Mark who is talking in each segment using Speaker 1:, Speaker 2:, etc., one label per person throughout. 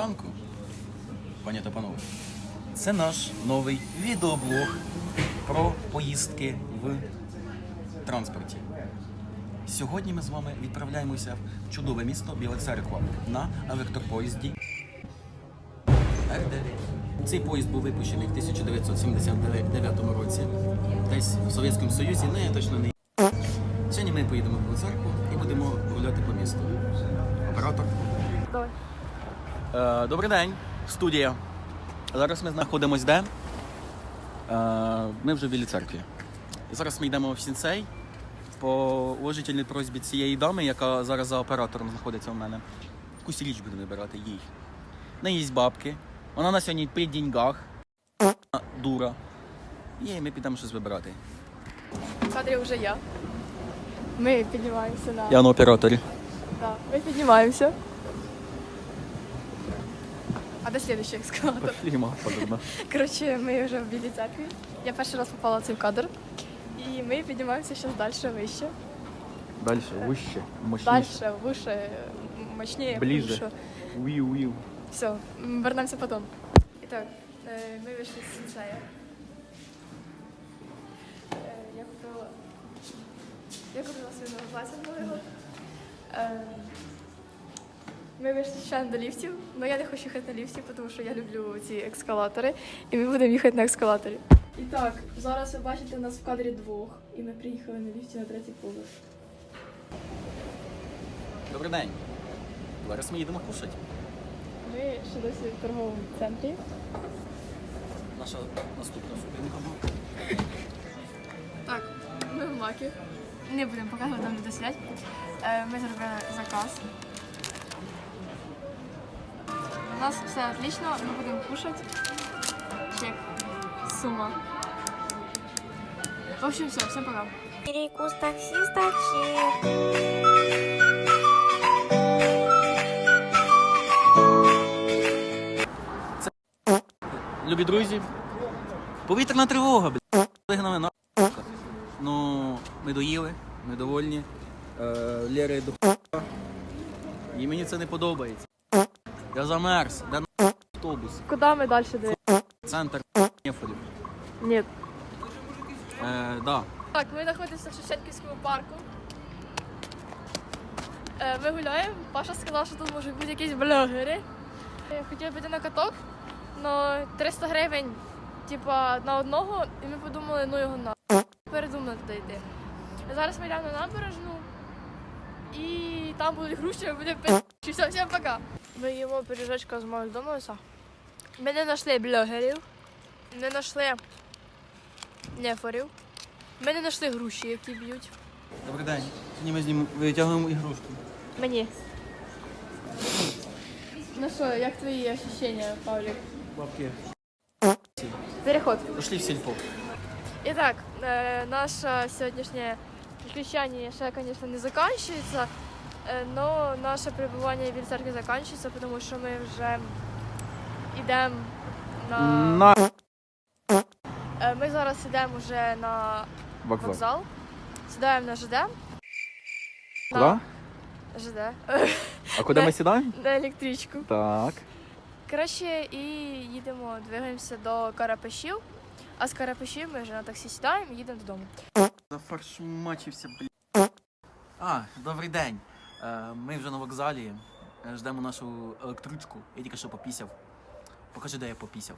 Speaker 1: ранку, пані та панове. Це наш новий відеоблог про поїздки в транспорті. Сьогодні ми з вами відправляємося в чудове місто Біла Церква на електропоїзді Р9. Цей поїзд був випущений в 1979 році, десь в Совєтському Союзі, не точно не. Сьогодні ми поїдемо в Білу Церкву і будемо гуляти по місту. Оператор.
Speaker 2: Давай.
Speaker 1: Добрий день, студія. Зараз ми знаходимося де? Ми вже в Білій Церкві. І зараз ми йдемо в Сінцей по уважительній просьбі цієї дами, яка зараз за оператором знаходиться у мене. Якусь річ будемо вибирати їй. В неї є бабки. Вона на сьогодні при деньгах. Дура. І ми підемо щось вибирати.
Speaker 2: В кадрі вже я. Ми піднімаємося на...
Speaker 1: Я на операторі.
Speaker 2: Да, ми піднімаємося. А де слідуючий ескалатор?
Speaker 1: Фліма, подобно.
Speaker 2: Коротше, ми вже в Білій Церкві. Я перший раз попала в цей кадр. І ми піднімаємося зараз далі, вище.
Speaker 1: Дальше, вище, мощніше.
Speaker 2: Дальше, вище, мощніше.
Speaker 1: Ближе. Уів.
Speaker 2: Все, вернемося потім. І так, ми вийшли з Сінцея. Я купила свій новий платье нового. Ми вийшли ще до ліфтів, але я не хочу їхати на ліфті, тому що я люблю ці ескалатори, і ми будемо їхати на ескалаторі. І так, зараз ви бачите нас в кадрі двох, і ми приїхали на ліфті на третій поверх.
Speaker 1: Добрий день. Зараз ми їдемо кушати.
Speaker 2: Ми ще досі в торговому центрі.
Speaker 1: Наша наступна зупинка буде.
Speaker 2: Так, ми в Макі. Не будемо показувати, там люди сидять. Ми зробили заказ. У нас все отлично, ми будемо кушати. Чек. Сума. В общем, все, всем пока.
Speaker 3: Перекус таксиста чек.
Speaker 1: Любі друзі, повітряна тривога, блядь. Вигнали на. Ну, ми доїли, ми довольні. Лєри до і мені це не подобається. Я замерз, де на автобус,
Speaker 2: Куда ми далі дивимося?
Speaker 1: центр Нефолів.
Speaker 2: Ні.
Speaker 1: Да.
Speaker 2: Так, ми знаходимося в Шевченківському парку. Ми гуляємо. Паша сказав, що тут можуть бути якісь блогери. Хотіли піти на каток, але 300 гривень типа, на одного, і ми подумали, ну його на. Передумали туди йти. Зараз ми йдемо на набережну, і там будуть груші, ми будемо пити. Все, всім пока. Ми їмо пиріжечка з Макдональдса. Ми не знайшли блогерів, не знайшли нефорів. Ми не знайшли груші, які б'ють.
Speaker 1: Добрий день. Сьогодні ми з ним витягуємо ігрушки.
Speaker 2: Мені. Ну що, як твої ощущення, Павлік?
Speaker 1: Бабки.
Speaker 2: Переход.
Speaker 1: Пішли в сільпо.
Speaker 2: І так, наше сьогоднішнє приключення ще, звісно, не закінчується, але наше перебування в Білій Церкві закінчується, тому що ми вже йдемо на... Ми зараз йдемо вже на вокзал, сідаємо на ЖД.
Speaker 1: Куди?
Speaker 2: ЖД.
Speaker 1: А куди ми сідаємо?
Speaker 2: На електричку.
Speaker 1: Так.
Speaker 2: Коротше, і їдемо, двигаємося до Карапешів, а з Карапешів ми вже на таксі сідаємо і їдемо додому.
Speaker 1: Зафаршмачився, блядь. Добрий день. Ми вже на вокзалі. Ждемо нашу електричку. Я тільки що попісяв. Покажи, де я попісяв.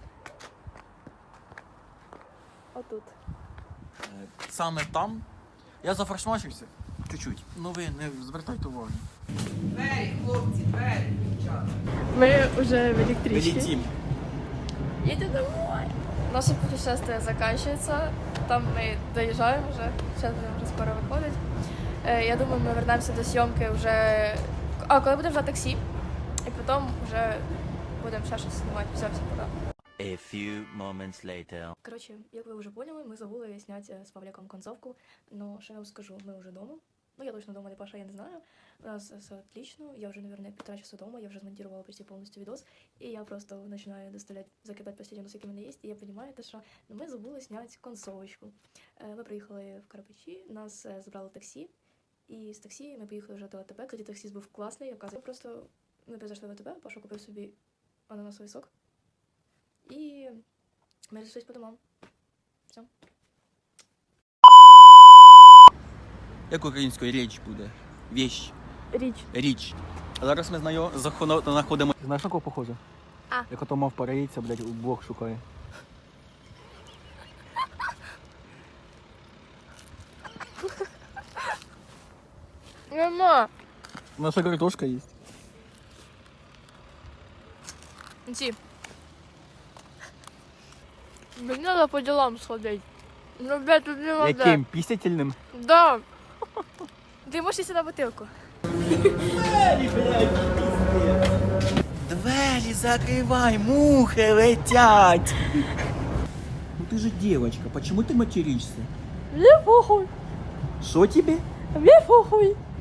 Speaker 2: Отут.
Speaker 1: Саме там. Я зафаршмачився. Чуть-чуть. Ну ви не звертайте увагу.
Speaker 4: Двері, хлопці, двері, дівчата.
Speaker 2: Ми вже в електричці.
Speaker 1: Вилетім.
Speaker 2: Едем домой. Наше путешествие заканчивается. Там мы доезжаем уже. Сейчас будем уже скоро выходить. Я думаю, мы вернемся до съемки уже... коли будемо вже таксі. І потім вже будемо ще щось знімати. Все, всім пока.
Speaker 5: A few moments later.
Speaker 2: Коротше, як ви вже поняли, ми забули зняти з Павліком концовку. Ну, що я вам скажу, ми вже вдома. Ну, я точно дома, не Паша, я не знаю. У нас все отлично. Я вже, наверное, 1,5 часа дома. Я вже змонтировала почти полностью видос. И я просто начинаю доставлять, закидать последние носы, які в мене є. І я розумію, що ми забули зняти концовочку. Ми приїхали в Карпачі, нас забрало таксі. І з таксі ми поїхали вже до АТБ. Кстати, таксист був класний. Оказується, просто Ми зайшли в АТБ, Паша купив собі ананасовий сок. І ми розійшлися по домам. Все.
Speaker 1: Як українською річ буде? Віщ.
Speaker 2: Річ.
Speaker 1: Річ. А зараз ми знаходимо. Знаєш, на кого похоже?
Speaker 2: А.
Speaker 1: Як ото мав параїться, блядь, у Бог шукає.
Speaker 2: Нема.
Speaker 1: Наша картошка є.
Speaker 2: Ці. Мені треба по ділам сходити. Ну, блядь, тут нема де.
Speaker 1: Яким? Пісятельним?
Speaker 2: Да. Ти можеш сісти на бутилку.
Speaker 1: Двері закривай, мухи летять. Ну ти же девочка, почему ты материшься?
Speaker 2: Мені похуй.
Speaker 1: Що тебе?
Speaker 2: Мені похуй.